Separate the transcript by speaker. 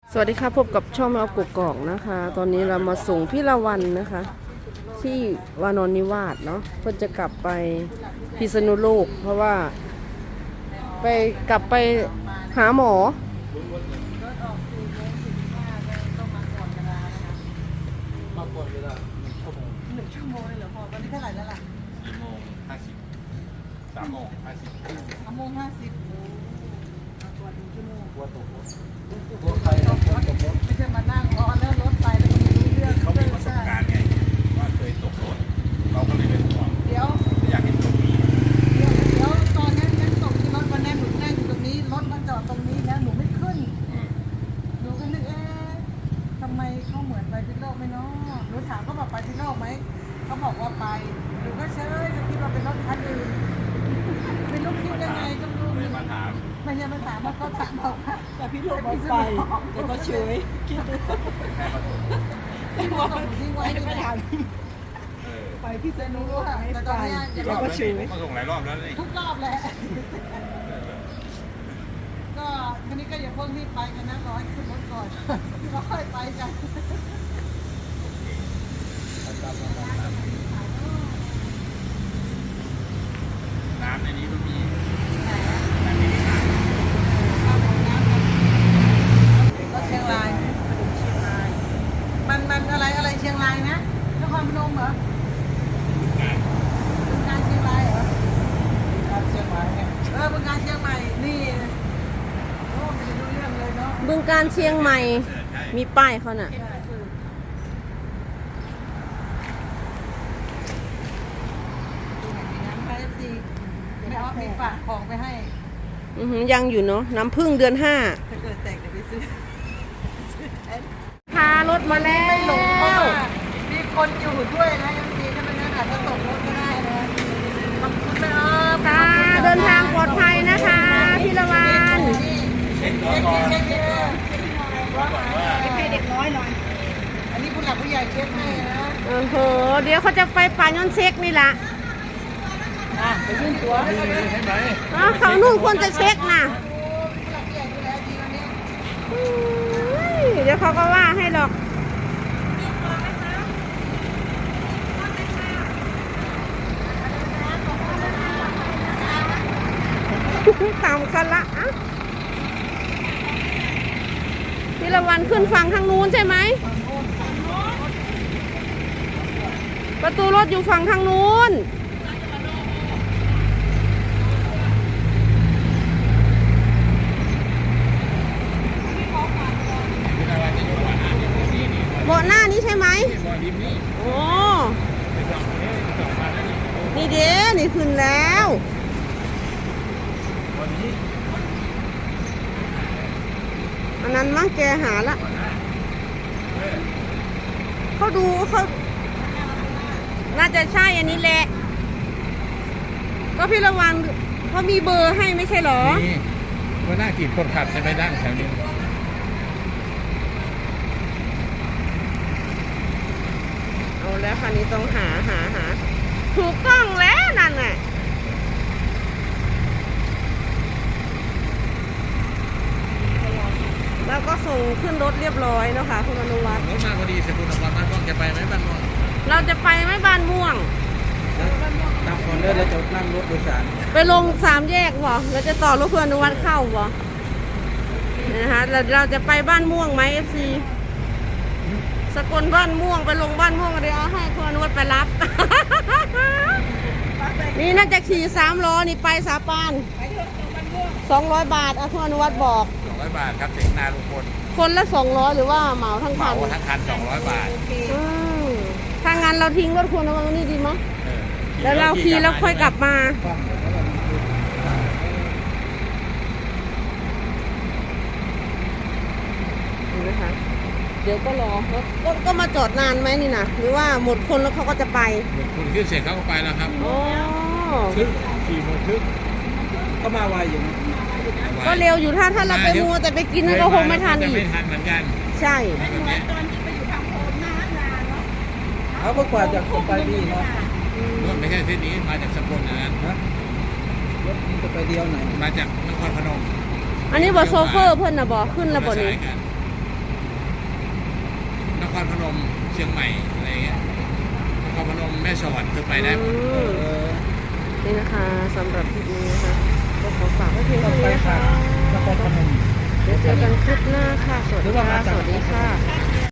Speaker 1: สวัสดีค่ะพบกับช่องแมวกุกกอกนะคะ ตอนนี้เรามาส่งพี่ละวันนะคะ ที่วานอนนิวาสเนาะเพื่อจะกลับไปพิษณุโลก เพราะว่ากลับไปหาหมอ
Speaker 2: มาก่อนเวลา
Speaker 3: 1 ชั่วโมงเลยเหรอพ่อตอนนี้เท่าไหร่แล้วล่ะ
Speaker 2: 3 โมง 50
Speaker 3: 3 โมง 50มาก่อน1 ชั่วโมง
Speaker 2: กลัวตกรถกลัวใครนะกลัวตกรถ
Speaker 3: ไม่ใช่มานั่งรอแล้วรถไปแล้วก็ไม่รู้เรื่อง
Speaker 2: เขามีประสบการณ์ไงว่าเคยตกรถเราก็เลยเป็นห่วง
Speaker 3: เดี๋ยว
Speaker 2: อยากเห็นตรงนี้
Speaker 3: ตอนนั้นตกที่รถวันนั้นหนูนั่งอยู่ตรงนี้รถมันจอดตรงนี้แล้วหนูไม่ขึ้นหนูก็นึกทำไมเขาเหมือนไปพิษณุโลกไหมเนาะหนูถามเขาบอกไปพิษณุโลกไหมเขาบอกว่าไปหนูก็เฉยก็คิดว่าเป็นรถคันอื่นไม่รู้คิดยังไงก็ไม่รู้
Speaker 2: เลยมาถาม
Speaker 3: ไม่ใช่มาถามว่าเขาถามบอกว่า
Speaker 4: แต่พี่ลูกบอกไปแต่ก็เฉยคิดดู
Speaker 2: แม่มาตก
Speaker 3: ที่ว่าทิ้งไว้
Speaker 4: ไม่
Speaker 3: ที่
Speaker 4: ไป
Speaker 3: ไหน
Speaker 4: ถาม
Speaker 3: ไปที่เซนูรู้ค่ะแต่ตอนนี้
Speaker 2: รอบแล้วนี่มาส่งหลายรอบแล้วนี่
Speaker 3: ทุกรอบแหละก็ทีนี้ก็อย่าเพิ่งรีบไปกันนะรอให้ขึ้นรถก่อนแล้วค่อยไปกัน
Speaker 2: น้ำในนี้มันมี
Speaker 3: ก็เชียงรายมันอะไรเชียงรายนะนครพนมเหรอเป็นการเชียงรายเหรอ
Speaker 4: การเชียงใหม่เนี่ย
Speaker 3: เป็นการเชียงใหม่นี่โอ้ไม่รู้เรื่องเลยเนาะ
Speaker 1: บึงการเชียงใหม่มีป้ายเขาน่ะ
Speaker 3: ไม่เอาไปฝากของไปให้
Speaker 1: ยังอยู่เนาะน้ำพึ่งเดือน 5
Speaker 3: ถ้าเกิดแตกเดี๋ยวไปซื้อแทน
Speaker 1: พารถมาแล้
Speaker 3: ไม่หลงเพราะ
Speaker 1: ว
Speaker 3: ว่ามีคนอยู่ด้วยนะยังดีถ้าไม่งั้นอาจจะตกรถก็ได้นะขอบคุณนะ
Speaker 1: ค่ะเดินทางปลอดภัยนะคะพี่ละวัน
Speaker 2: เช็ครถก่อน
Speaker 3: เช็ค
Speaker 4: ให้เด็กน้อยหน่อย
Speaker 3: อันนี้ผู้หลักผู้ใหญ่เช็คให้นะ
Speaker 1: โอ้โหเดี๋ยวเขาจะไปป่ายอนเช็คนี่ละ
Speaker 4: ไปยื่นตัว
Speaker 2: ใช่ไหม
Speaker 1: เขานู่นควรจะเช็คนะ
Speaker 3: ผู้หลักผู้ใหญ่ดูแลดีวันนี้
Speaker 1: เดี๋ยวเขาก็ว่าให้หรอกตามกันละอ่ะพี่ละวันขึ้นฝั่งทางนู้นใช่ไหมประตูรถอยู่ฝั่งทางนู้นเบาะหน้านี้ใช่ไหม
Speaker 2: บอลริมนี่
Speaker 1: โอ้
Speaker 2: ไปส่องนี่ส่องมาแล้วนี่
Speaker 1: นี่เด้นี่ขึ้นแล้ว
Speaker 2: วันนี้
Speaker 1: อันนั้นมั้งแกหาละเขาดูเขาน่าจะใช่อันนี้แหละ ก็พี่ระวังเขามีเบอร์ให้ไม่ใช่เหรอ
Speaker 2: นี่ว่าหน้ากีดคนขับจะไปนั่งแถวนี้
Speaker 1: เอาแล้วคันนี้ต้องหาถูกต้องแล้วนั่นน่ะแล้วก็ส่งขึ้นรถเรียบร้อยเนาะค่ะคุณอนุวัฒน์
Speaker 2: รถมาพอดีสกุลบ้านม่วงจะไปไหมบ้านม่วง
Speaker 1: เราจะไปไหม่บ้านม่วง
Speaker 4: ตามคนเดินแล้วจะนั่งรถโดยสาร
Speaker 1: ไปลง3 แยกบ่เราจะต่อรถเพื่อนอนุวัฒน์เข้าบ่นะคะเราจะไปบ้านม่วงไหม FC สกลบ้านม่วงไปลงบ้านม่วงเดี๋ยวเอาให้คุณอนุวัฒน์ไปรับ นี่น่าจะขี่3 ล้อนี่ไปสาปาน200 บาทคุณอนุวัฒน์บอก
Speaker 2: 200 บาทครับถึงนาลุงพล
Speaker 1: คนละ200หรือว่าเหมาทั้ง
Speaker 2: เห
Speaker 1: คั
Speaker 2: มาน ทั้งคัน200 บาท
Speaker 1: อืมถ้างั้นเราทิ้งรถคุณอนุวัฒน์ไว้นี่ดีมั้ย
Speaker 2: เออ
Speaker 1: แล้วเราขี่แล้วค่อยกลับมา
Speaker 4: ฟังแล้วก็มันคือ
Speaker 1: ดูนะคะเดี๋ยวก็รอรถก็มาจอดนานไหมนี่นะหรือว่าหมดคนแล้วเขาก็จะไป
Speaker 2: คุณขึ้นเสร็จเขาก็ไปแล้วครับ
Speaker 1: โอ้
Speaker 2: ครึ่ง4 โมงครึ่ง
Speaker 4: ก็มาไวอยู่นะ
Speaker 1: ก็เร็วอยู่ถ้าเราไปมัวแต่ไปกินนั่นก็คงไม่ทัน
Speaker 2: จะ
Speaker 1: อี
Speaker 2: ไม่
Speaker 1: ก
Speaker 2: ทันเหมือนกัน
Speaker 1: ใช่
Speaker 2: แบบนี้
Speaker 4: เขาก็กว่าจะไปนี่เนาะ
Speaker 2: รถไม่ใช่เส้นนี้มาจากสกลนะ
Speaker 4: นะรถมันจะไปเดียวไหน
Speaker 2: มาจากนครพนม
Speaker 1: อันนี้บอโซเฟอร์เพิ่นนะบอขึ้นแล้วบอนี้
Speaker 2: มาสายกันรพนมเชียงใหม่อะไรเงี้ยนครพนมแม่สอดคือไปได้หมด
Speaker 1: นี่นะคะสำหรับคลิปนี้นะคะก็ขอฝากไว้เพียง
Speaker 4: ต้อ
Speaker 1: เท่าง
Speaker 4: ไป
Speaker 1: นี้นะ
Speaker 4: ทา
Speaker 1: คะ
Speaker 4: งนครพนม
Speaker 1: เดี๋ยวเจอกันคลิปหน้าค่ะ สวัสดีค่ะ สวัสดีค่ะ